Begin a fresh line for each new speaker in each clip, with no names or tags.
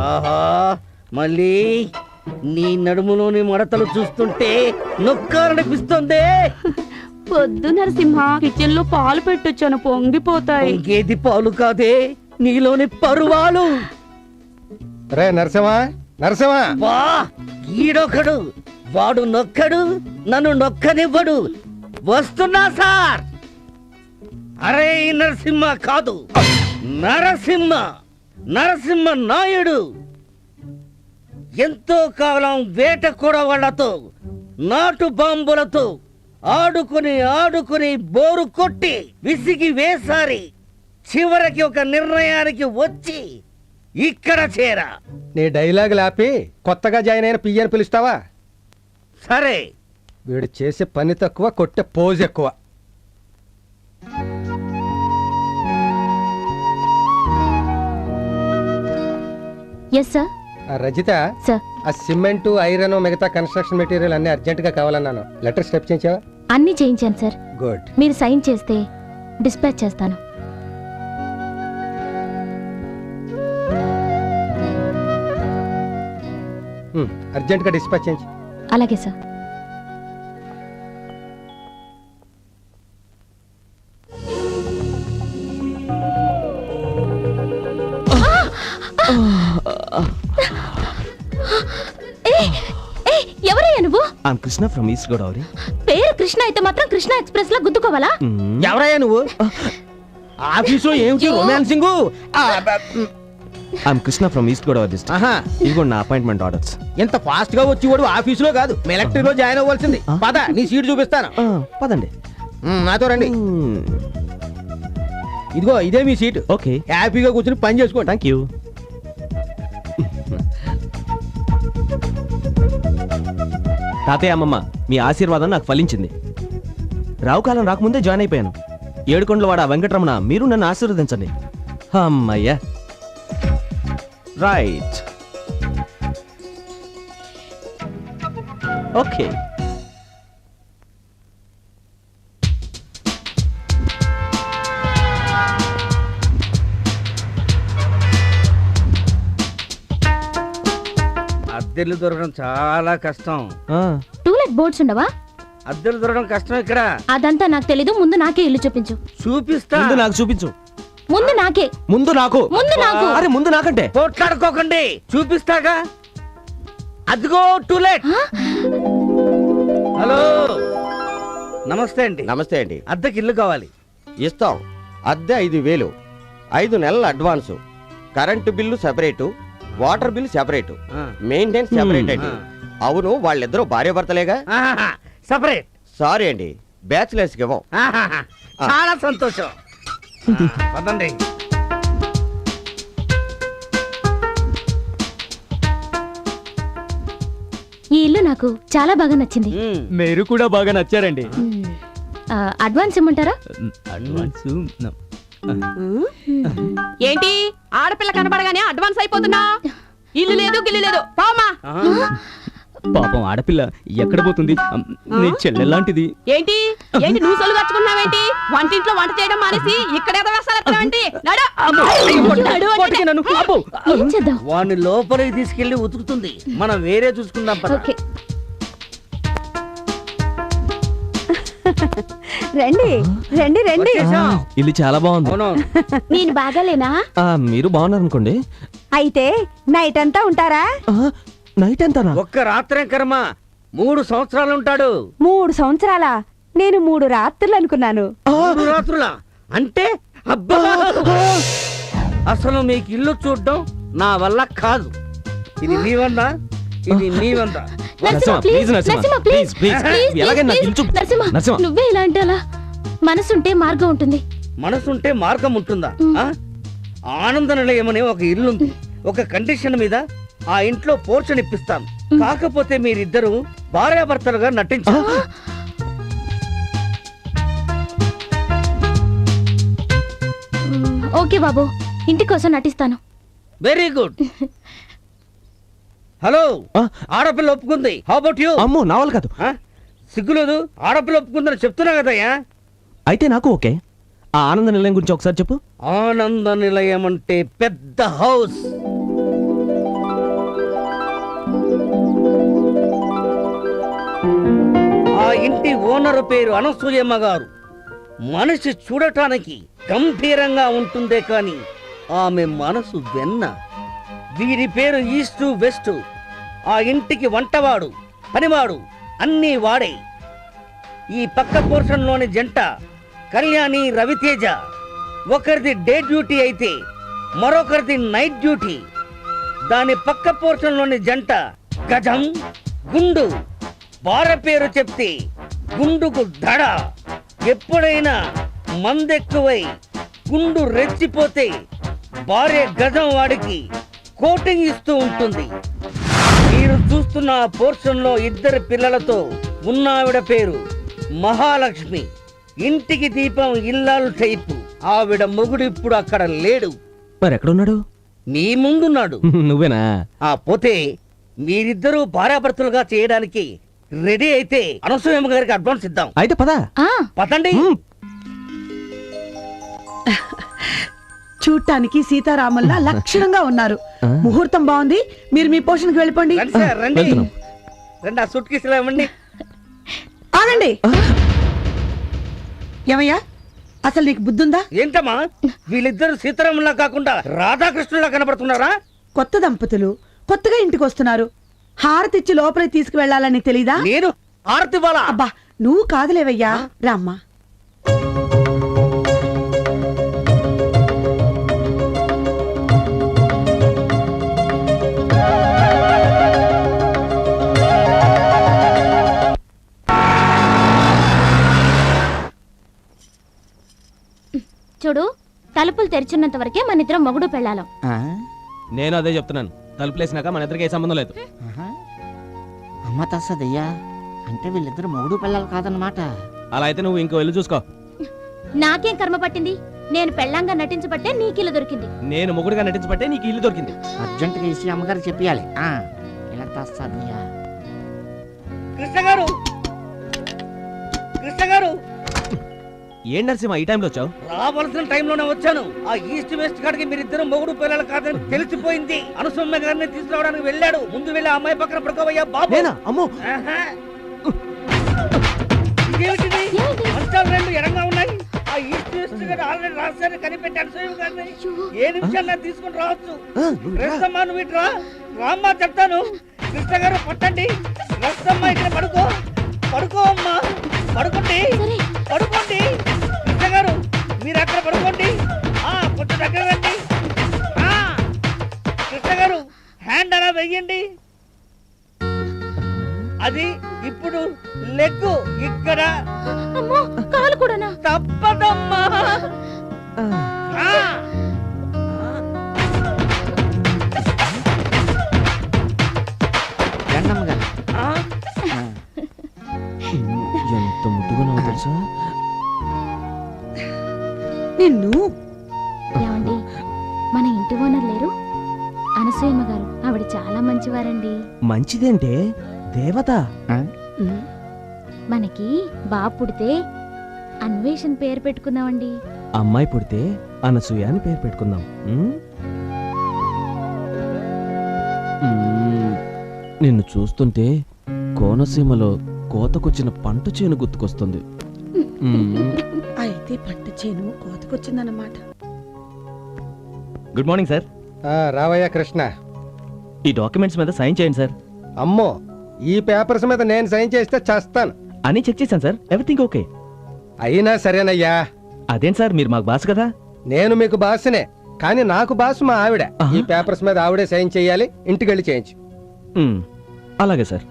ఆహా మళ్ళీ నీ నడుములోని మడతలు చూస్తుంటే నొక్కాలనిపిస్తుంది.
పొద్దు నరసింహ, కిచెన్ లో పాలు పెట్టొచ్చాను, పొంగిపోతాయి.
ఇంకేది పాలు కాదే, నీలోని పరువాలు.
రే నరసింహ, నరసింహ!
వా ఈడొకడు, వాడు నొక్కడు, నన్ను నొక్కనివ్వడు. వస్తున్నా సార్. అరే నరసింహ కాదు, నరసింహ, నరసింహ నాయుడు. ఎంతో కాలం వేట కొడవళ్లతో, నాటు బాంబులతో ఆడుకుని ఆడుకుని బోరు కొట్టి విసిగి వేసారి చివరికి ఒక నిర్ణయానికి వచ్చి ఇక్కడ చేరా.
నీ డైలాగ్ ఆపి కొత్తగా జాయిన్ అయిన పియ్యని పిలుస్తావా?
సరే.
వీడు చేసే పని తక్కువ, కొట్టే పోజ్ ఎక్కువ.
Yes sir.
రజిత,
సార్,
ఆ సిమెంట్, ఐరన్, మిగతా కన్స్ట్రక్షన్ మెటీరియల్ అన్ని అర్జెంట్ గా కావాలన్నాను. లెటర్ స్టెప్ చేయించావా?
అన్ని చేయించాను సార్.
గుడ్.
మీరు సైన్ చేస్తే డిస్పాచ్ చేస్తాను.
అర్జెంట్ గా డిస్పాచ్ చేయించు.
అలాగే సార్. ఎవరయ్యా నువ్వు?
Krishna from East Godavari.
పేరు కృష్ణ అయితే మాత్రం కృష్ణ ఎక్స్ప్రెస్ లా గుద్దుకోవాలా?
ఎవరయ్యా నువ్వు? ఆఫీసు ఏమిటి romancing?
Krishna from East Godavari district. ఇదిగో నా అపాయింట్మెంట్ ఆర్డర్స్.
ఎంత ఫాస్ట్ గా వచ్చి వాడు ఆఫీసులో కాదు, ఎలక్ట్రిక్ లో జాయిన్ అవ్వాల్సింది. పద, నీ సీట్ చూపిస్తాను.
పదండి.
నాతో రండి. ఇదిగో ఇదే మీ సీట్.
ఓకే,
హ్యాపీగా కూర్చుని పని చేసుకోండి.
Thank you. తాతయ్య, అమ్మమ్మ, మీ ఆశీర్వాదం నాకు ఫలించింది. రావు కాలం రాకముందే జాయిన్ అయిపోయాను. ఏడుకొండలవాడ వెంకటరమణ, మీరు నన్ను ఆశీర్వదించండి. అమ్మయ్యా. రైట్. ఓకే.
అద్దెలు దొరకడం చాలా కష్టం.
టూలెట్ బోర్డ్స్ ఉండవా?
అద్దెలు దొరకడం కష్టం ఇక్కడ.
అదంతా నాకు తెలీదు. ముందు నాకే ఇల్లు చూపించు.
చూపిస్తా.
ముందు నాకు చూపించు.
ముందు నాకే.
ముందు నాకు.
ముందు నాకు.
అరే ముందు నాకంటే.
పోట్లాడుకోకండి, చూపిస్తాగా. అదిగో టూలెట్. హలో, నమస్తే అండి.
నమస్తే అండి.
అద్దెకి ఇల్లు కావాలి.
ఇస్తాం. అద్దె 5,000, 5 నెలల advance, current bill separate, water bill separate, maintenance separate అండి. అవును, వాళ్ళిద్దరూ భార్య భర్తలేగా?
సపరేట్.
సారీ అండి, బ్యాచిలర్స్ కి ఇవ్వం.
చాలా సంతోషం. పదండి.
ఈ ఇల్లు నాకు చాలా బాగా నచ్చింది.
మీరు కూడా బాగా నచ్చారండి.
అడ్వాన్స్ ఇమ్మంటారా?
అడ్వాన్స్
ఏంటి ఆడపిల్ల కనబడగానే అడ్వాన్స్ అయిపోతున్నా? ఇల్లు లేదు గిల్లు లేదు, పోమా.
పాపం ఆడపిల్ల ఎక్కడ పోతుంది? నీ చెల్లెలాంటిది.
ఏంటి ఏంటి నువ్వు సొల్లు కట్టుకున్నావేంటి? వంటింట్లో వంట చేయడం మానేసి ఇక్కడ ఏదో వేస్తానంటే
ఏం చేద్దాం?
వాడిని లోపలికి తీసుకెళ్లి ఉతుకుతుంది, మనం వేరే చూసుకుందాం.
ఓకే.
రండి రండి రండి.
ఇల్లు చాలా బాగుంది.
నేను బాగాలేనా?
మీరు బాగున్నారు అనుకోండి.
అయితే నైట్ అంతా ఉంటారా?
నైట్ అంతానా?
ఒక్క రాత్రే కర్మ, 3 సంవత్సరాలు ఉంటాడు.
3 సంవత్సరాలా? నేను 3 రాత్రులు అనుకున్నాను.
3 రాత్రులా అంటే? అబ్బా, అసలు మీకు ఇల్లు చూడడం నా వల్ల కాదు. ఇది మీ వంద, ఇది మీ వంద.
నువ్వే ఇలా అంటే అలా. మనసుంటే మార్గం ఉంటుంది.
మనసుంటే మార్గం ఉంటుందా? ఆనంద నిలయమనే ఒక ఇల్లుంది. ఒక కండిషన్ మీద ఆ ఇంట్లో పోర్షన్ ఇప్పిస్తాను. కాకపోతే మీరిద్దరూ భార్యాభర్తలుగా నటించారు.
ఓకే బాబు, ఇంటి కోసం నటిస్తాను.
Very good. హలో, ఆడపిల్ల ఒప్పుకుంది. How about you?
అమ్మో, నా వల్ల కాదు.
సిగ్గులేదు, ఆడపిల్ల ఒప్పుకుందని చెప్తున్నా కదయ్యా.
అయితే నాకు ఓకే. ఆ ఆనంద నిలయం గురించి ఒకసారి చెప్పు.
ఆనంద నిలయం అంటే పెద్ద హౌస్. ఇంటి ఓనరు పేరు అనసూయమ్మ గారు. మనిషి చూడటానికి గంభీరంగా ఉంటుందే కాని ఆమె మనసు వెన్న. వీరి పేరు ఈస్టు వెస్ట్. ఆ ఇంటికి వంటవాడు, పనివాడు అన్నీ వాడే. ఈ పక్క పోర్షన్లోని జంట కళ్యాణి, రవితేజ. ఒకరిది డే డ్యూటీ అయితే మరొకరిది నైట్ డ్యూటీ. దాని పక్క పోర్షన్లోని జంట గజం, గుండు. భార్య పేరు చెప్తే గుండుకు దడ. ఎప్పుడైనా మందెక్కువై గుండు రెచ్చిపోతే భార్య గజం వాడికి కోటింగ్ ఇస్తూ ఉంటుంది. మీరు చూస్తున్న ఆ పోర్షన్లో 2 పిల్లలతో ఉన్నావిడ పేరు మహాలక్ష్మి. ఇంటికి దీపం ఇల్లాలు టైపు. ఆవిడ మొగుడు ఇప్పుడు అక్కడ లేడు,
మరి ఎక్కడున్నాడు?
నీ ముందున్నాడు.
నువ్వేనా?
ఆ పోతే మీరిద్దరూ భార్యాభర్తలుగా చేయడానికి రెడీ అయితే అనసూయమ్మ గారికి అడ్వాన్స్ ఇద్దాం.
అయితే పదా.
పదండి.
చూడటానికి సీతారాముల్లా లక్షణంగా ఉన్నారు. ముహూర్తం బాగుంది, మీరు మీ పోషణకి వెళ్ళిపోండి.
రండి సార్, రండి రండి. ఆ సూట్ కేసులు ఇవ్వండి.
ఆగండి. ఏమయ్యా, అసలు నీకు బుద్ధుందా?
ఏంటమ్మా, వీళ్ళిద్దరు సీతారాములా కాకుండా రాధాకృష్ణులా కనబడుతున్నారా?
కొత్త దంపతులు కొత్తగా ఇంటికి వస్తున్నారు. హారతిచ్చి లోపలికి తీసుకువెళ్లాలని తెలీదా?
నేను ఆరతి బాల.
అబ్బా, నువ్వు కాదులేవయ్యా, రామ్మా.
చూడు, తలుపులు తెరిచున్నంత వరకే మన ఇద్దరం మొగుడు పెళ్ళాలం.
నేను అదే చెప్తున్నాను. తలుపులేసినాక మన ఇద్దరికి ఏ సంబంధం లేదు.
అమ్మ తస్సదయ్యా, అంటే వీళ్ళిద్దరు మొగుడు పిల్లలు కాదన్నమాట.
అలా అయితే నువ్వు ఇంకో వెళ్ళి చూసుకో.
నాకేం కర్మ పట్టింది? నేను పెళ్ళంగా నటించబట్టే నీకిల్లు దొరికింది.
నేను మొగుడుగా నటించబట్టే నీకు ఇల్లు దొరికింది.
అర్జెంటుగా ఇసి అమ్మగారు చెప్పాలి. ఇలా తస్సదయ్యా.
కృష్ణ గారు, కృష్ణ గారు.
ఏం నరసింహ ఈ టైంలో వచ్చావు?
రావాల్సిన టైంలోనే వచ్చాను. ఆ ఈస్ట్ వెస్ట్ కాడికి మీరిద్దరు మొగుడు పిల్లలు కాదని తెలిసిపోయింది. అనసూయమ్మ గారిని తీసుకురావడానికి వెళ్ళాడు. ముందు వెళ్ళి ఆ అమ్మాయి పక్కన పడుకోవయ్యా బాబు.
అమ్మో,
ఇదేమిటిది? మంచాలు 2 ఎడంగా ఉన్నాయి. ఆ ఈస్ట్ వెస్ట్ గారు ఆల్రెడీ రాశారు, కనిపెట్టి అనసూయమ్మ గారిని ఏ నిమిషాల్లో తీసుకుని రావచ్చు. రస్తమ్మా, నువ్వు ఇటు రా. రామ్మా చెప్తాను. కృష్ణ గారు పట్టండి. రస్తమ్మా ఇక్కడ పడుకో. పడుకో అమ్మా, పడుకోండి, పడుకోండి. కృష్ణ గారు మీరు అక్కడ పడుకోండి. కొంచెం దగ్గర రండి. కృష్ణ గారు హ్యాండ్ అలా వెయ్యండి. అది ఇప్పుడు లెగ్గు ఇక్కడ.
కాలు కూడానా?
తప్పదమ్మా.
అమ్మగారు
ఎంత ముద్దుగా నువ్వు తెలుసా?
నిన్ను
ఏమండి, మన ఇంటి ఓనర్ లేరు? అనసూయమ్మ గారు. ఆవిడ చాలా మంచివారండి.
మంచిదేంటే దేవత.
మనకి బాబు పుడితే అన్వేషణ్ పేరు పెట్టుకుందామండి.
అమ్మాయి పుడితే అనసూయ అని పేరు పెట్టుకుందాం. నిన్ను చూస్తుంటే కోనసీమలో కోతకొచ్చిన పంట చేను గుర్తుకొస్తుంది.
అయితే పంట చేను కోతకొచ్చిందన్నమాట.
Good morning sir.
రావయ్యా కృష్ణ.
ఈ డాక్యుమెంట్స్ మీద సైన్ చేయండి సార్.
అమ్మో, ఈ పేపర్స్ మీద నేను సైన్ చేస్తే చేస్తాను.
అని చెక్ చేశాను సార్, ఎవ్రీథింగ్ ఓకే.
అయినా సరేనయ్యా.
అదేం సార్, మీరు మాకు బాస్ కదా.
నేను మీకు బాసునే, కానీ నాకు బాసు మా ఆవిడ. ఈ పేపర్స్ మీద ఆవిడే సైన్ చేయాలి. ఇంటికి వెళ్ళి చేయించు.
అలాగే సార్.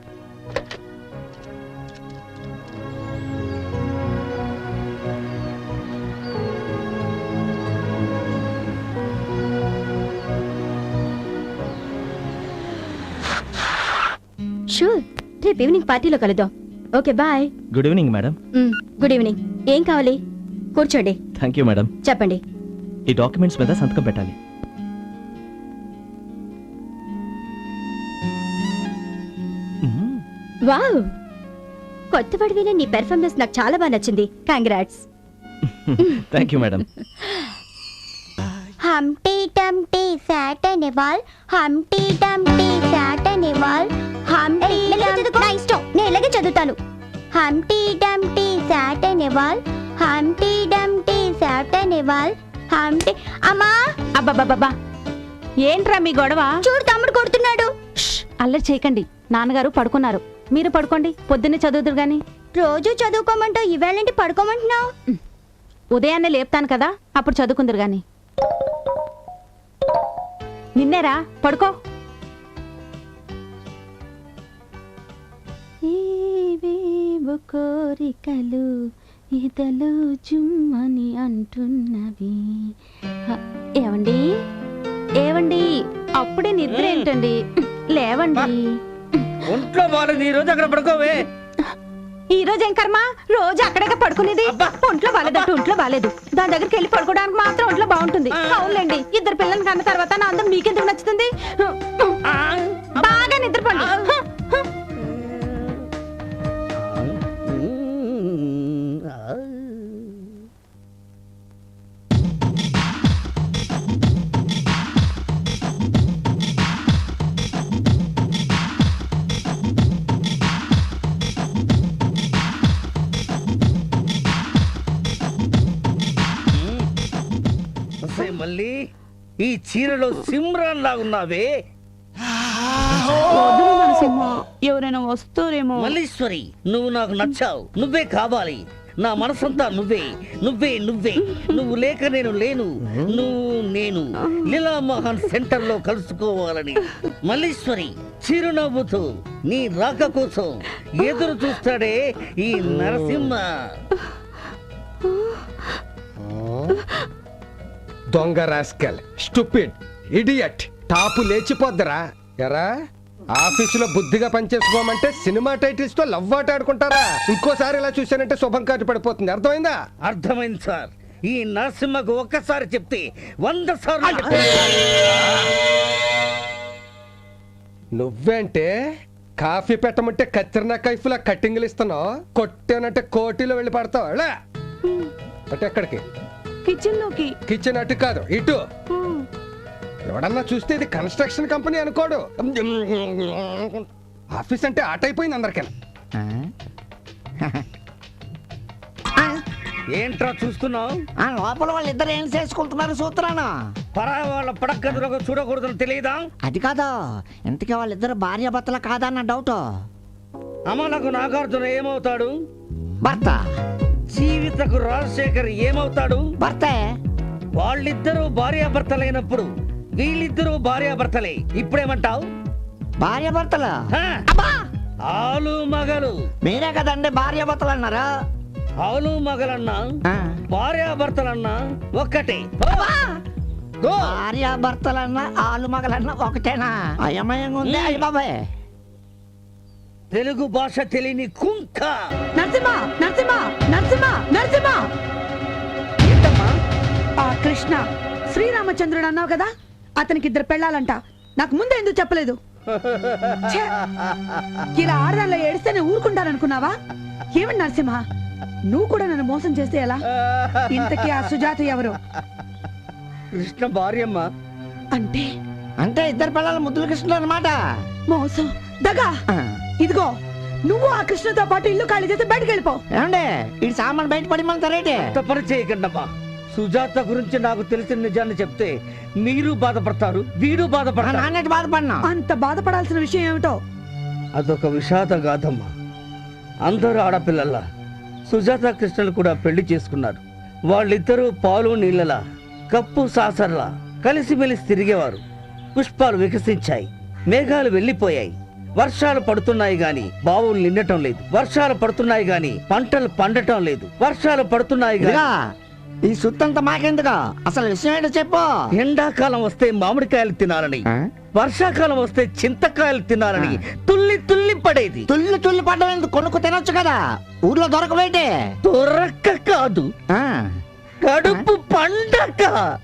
షూర్, రేపు ఈవినింగ్ పార్టీలో కలుద్దాం. Okay, bye.
Good evening madam.
Good evening. ఏం కావాలి? కూర్చోండి.
Thank you madam.
చెప్పండి.
ఈ డాక్యుమెంట్స్ మీద సంతకం పెట్టాలి.
వావ్, కొత్త పడివిన నీ పెర్ఫార్మెన్స్ నాకు చాలా బాగా నచ్చింది. Congrats.
Thank you madam.
Humpty dumpty sat అనే వాల్, హంటీ టంటీ సాట్ అనే వాల్, హంటీ నా ఇష్టం, నేను ఇలాగే చదువుతాను. హంటీ డంటీ సాట్ అనే వాల్ హంటీ డంటీ సాట్ అనే వాల్ హంటీ అమ్మా
అబ్బబ్బబ్బా ఏంట్రా మీ గొడవ?
చూడు తమ్ముడు కొడుతున్నాడు.
అల్లరి చేయకండి, నాన్నగారు పడుకున్నారు. మీరు పడుకోండి, పొద్దున్నే చదువుదురు గాని.
రోజు చదువుకోమంటావు, ఈవేళేంటి పడుకోమంటున్నావు?
ఉదయాన్నే లేపుతాను కదా, అప్పుడు చదువుకుందరు గాని. నిన్నేరా, పడుకో.
ఏవేవో కోరికలు ఇదలో జుమ్మని అంటున్నవి. ఏవండి ఏవండి, అప్పుడే నిద్ర ఏంటండి? లేవండి.
ఒంట్లో బాగాలేదు, ఈ రోజు అక్కడ పడుకోవే.
ఈ రోజు ఏం కర్మ, రోజు అక్కడే పడుకునేది. ఒంట్లో బాలేదట్టు ఒంట్లో బాలేదు, దాని దగ్గరికి వెళ్ళి పడుకోవడానికి మాత్రం ఒంట్లో బాగుంటుంది. అవునులేండి, ఇద్దరు పిల్లల్ని కన్న తర్వాత నా అందం మీకెందుకు నచ్చుతుంది? బాగా నిద్రపోండి.
మళ్ళీ ఈ చీరలో సిమ్రాన్ లాగున్నావే.
ఎవరైనా వస్తారేమో.
మల్లీశ్వరి, నువ్వు నాకు నచ్చావు, నువ్వే కావాలి. నా మనసంతా నువ్వే నువ్వే నువ్వే. నువ్వు లేక నేను లేను, నువ్వు నేను లీలా మోహన్ సెంటర్ లో కలుసుకోవాలని మల్లీశ్వరి చిరునవ్వుతూ నీ రాక కోసం ఎదురు చూస్తాడే ఈ నరసింహ.
దొంగ రాస్కల్, స్టూపిడ్, ఇడియట్, టాపు లేచిపోద్దరా. ఎరా ఆఫీసులో బుద్ధిగా పనిచేసుకోమంటే సినిమా టైటిల్స్ తో లవ్ ఆట ఆడుకుంటారా? ఇంకోసారి ఇలా చూసానంటే శుభం కాటి పడిపోతుంది. అర్థమైందా?
అర్థమైంది సార్. ఈ నరసింహకు ఒక్కసారి చెప్తే 100 సార్లు
నువ్వేంటే కాఫీ పెట్టమంటే కత్తిరిన కైఫ్లా కట్టింగ్లు ఇస్తున్నావు, కొట్టానంటే కోటిలో వెళ్ళి పడతావు. అంటే ఎక్కడికి?
కిచెన్ లోకి.
కిచెన్ అటు కాదు, ఇటు. ఎవడన్నా చూస్తే ఇది కన్స్ట్రక్షన్ కంపెనీ అనుకోడు. ఆఫీస్ అంటే ఆట అయిపోయింది అందరికీ.
ఏంట్రా చూస్తున్నావు?
లోపల వాళ్ళిద్దరు ఏం చేసుకుంటున్నారు సూత్రాను?
పరాయి వాళ్ళ పడక్కదులకు చూడకూడదని తెలియదా?
అది కాదు, ఇంతకీ వాళ్ళిద్దరు భార్య భర్తల కాదన్న డౌట్.
అమలకు నాగార్జున ఏమవుతాడు?
భర్త.
జీవితకు రాజశేఖర్ ఏమవుతాడు?
భర్తే.
వాళ్ళిద్దరూ భార్యాభర్తలైనప్పుడు వీళ్ళిద్దరూ భార్యాభర్తలే. ఇప్పుడేమంటావు?
భార్య భర్తలు.
ఆలు మగలు.
మీరే కదండి భార్య భర్తలు అన్నారా?
ఆలు మగలన్నా భార్యాభర్తలన్నా ఒక్కటే.
భార్య భర్తలన్నా ఆలు మగలన్నా ఒకటేనా? అయమయంగా ఉంది. అయ్య బాబాయ్,
తెలుగు భాష తెలియని కుంక.
నరసింహ నరసింహ నరసింహ నరసింహ.
ఏంటమ్మా?
ఆ కృష్ణ శ్రీరామచంద్రుడు అన్నావు కదా, అతనికి 2 పెళ్ళాలంట. నాకు ముందే ఎందుకు చెప్పలేదు? ఛే! ఇలా ఆడదానిలో ఏడిస్తే నేను ఊరుకుంటాననుకున్నావా? ఏమండి నరసింహ, నువ్వు కూడా నన్ను మోసం చేస్తే ఎలా? ఇంతకీ ఆ సుజాత ఎవరు?
కృష్ణ భార్యమ్మ.
అంటే
అంటే ఇద్దరు పిల్లల ముద్దుల కృష్ణుడు అనమాట.
మోసం, దగా. ఇదిగో, నువ్వు ఆ కృష్ణతో పాటు ఇల్లు ఖాళీ చేసి బయటకు వెళ్ళిపో.
ఏమండి ఈ సామాన్ బయట పడిమంటారేంటి?
తప్పని చేయకండమ్మా. సుజాత గురించి నాకు తెలిసిన నిజాన్ని చెప్తే మీరు బాధపడతారు, వీడు బాధపడతారు.
నాన్నటి బాధపడినా.
అంత బాధపడాల్సిన విషయం ఏమిటో?
అదొక విషాద గాథమ్మా. అందరూ ఆడపిల్లల్లా సుజాత కృష్ణలు కూడా పెళ్లి చేసుకున్నారు. వాళ్ళిద్దరూ పాలు నీళ్ళలా, కప్పు సాసర్లా కలిసిమెలిసి తిరిగేవారు. పుష్పాలు వికసించాయి, మేఘాలు వెళ్ళిపోయాయి. వర్షాలు పడుతున్నాయి గాని బావులు నిండటం లేదు. వర్షాలు పడుతున్నాయి గాని పంటలు పండటం లేదు. వర్షాలు పడుతున్నాయి గాని.
ఈ సుత్తంతా మాకెందుకు? అసలు విషయం ఏంటో చెప్పు.
ఎండాకాలం వస్తే మామిడికాయలు తినాలని, వర్షాకాలం వస్తే చింతకాయలు తినాలని తుల్లి తుల్లి పడేది.
తుల్లి తుల్లి పడ్డం కొనుక్కు తినొచ్చు కదా, ఊర్లో దొరకబెట్టి.
దొరక్క కాదు, కడుపు పండక.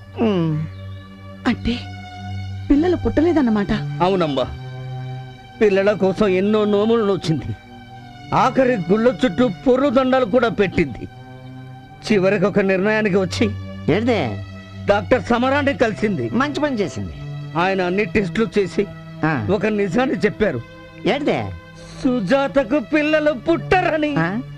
అంటే పిల్లలు పుట్టలేదన్నమాట.
అవునమ్మా, పిల్లల కోసం ఎన్నో నోములు నోచింది. ఆఖరి గుళ్ళ చుట్టూ పొర్రు దండాలు కూడా పెట్టింది. చివరికి ఒక నిర్ణయానికి వచ్చి
ఏంటే
డాక్టర్ సమరాన్ని కలిసింది.
మంచి పని చేసింది.
ఆయన అన్ని టెస్టులు చేసి ఒక నిజాన్ని చెప్పారు.
ఏంటే?
సుజాతకు పిల్లలు పుట్టరని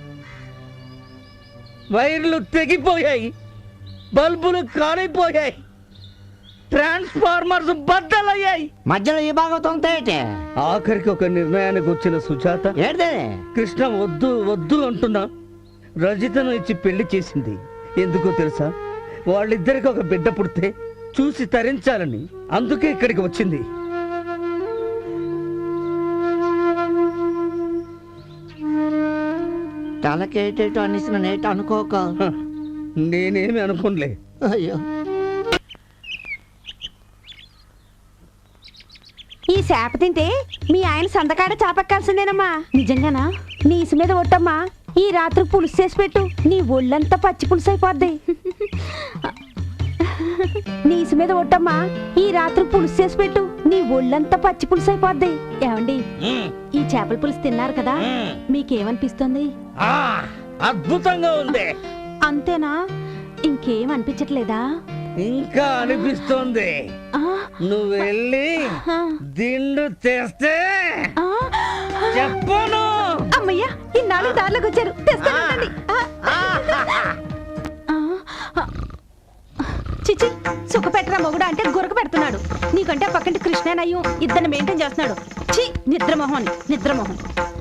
వైర్లు తెగిపోయాయి, బల్బులు కాలిపోయాయి, ట్రాన్స్ఫార్మర్స్ బద్దలయ్యాయి.
మధ్యలో ఈ భాగవతం ఏంటి?
ఆఖరికి ఒక నిర్ణయానికి వచ్చిన సుజాత
ఏంటి?
కృష్ణ వద్దు వద్దు అంటున్నా రజితను ఇచ్చి పెళ్లి చేసింది. ఎందుకో తెలుసా? వాళ్ళిద్దరికి ఒక బిడ్డ పుడితే చూసి తరించాలని. అందుకే ఇక్కడికి వచ్చింది.
తలకేటేటో అనేసిన నేట అనుకోక.
హ, నేనేమి అనుకోనులే.
అయ్యో,
ఈ చేప తింటే మీ ఆయన సందకాడ చాపెక్కాల్సిందేనమ్మా. నిజంగానా? నీ ఇసు మీద ఒట్టమ్మా. ఈ రాత్రి పులుసు చేసి పెట్టు, నీ ఒళ్ళంతా పచ్చి పులుసు అయిపోద్ది. నీ ఇసు మీద ఒట్టమ్మా. ఈ రాత్రి పులుసు చేసి పెట్టు, నీ ఒళ్ళంతా పచ్చి పులుసు అయిపోద్ది. ఏమండి, ఈ చేపల పులుసు తిన్నారు కదా, మీకేమనిపిస్తుంది?
అద్భుతంగా ఉంది.
అంతేనా? ఇంకేం అనిపించట్లేదా?
ఇంకా అనిపిస్తోంది. నువ్వు వెళ్ళి దిండు తెస్తే చెప్పను.
అమ్మయ్యా, ఈ 4 దారిలోకి వచ్చారు. తెస్తానండి. చిచి, సుఖ పెట్టరా మొగుడు అంటే గురక పెడుతున్నాడు. నీకంటే పక్కంటి కృష్ణనయ్యం ఇద్దరిని మెయింటైన్ చేస్తున్నాడు. చి, నిద్రమోహన్ నిద్రమోహన్.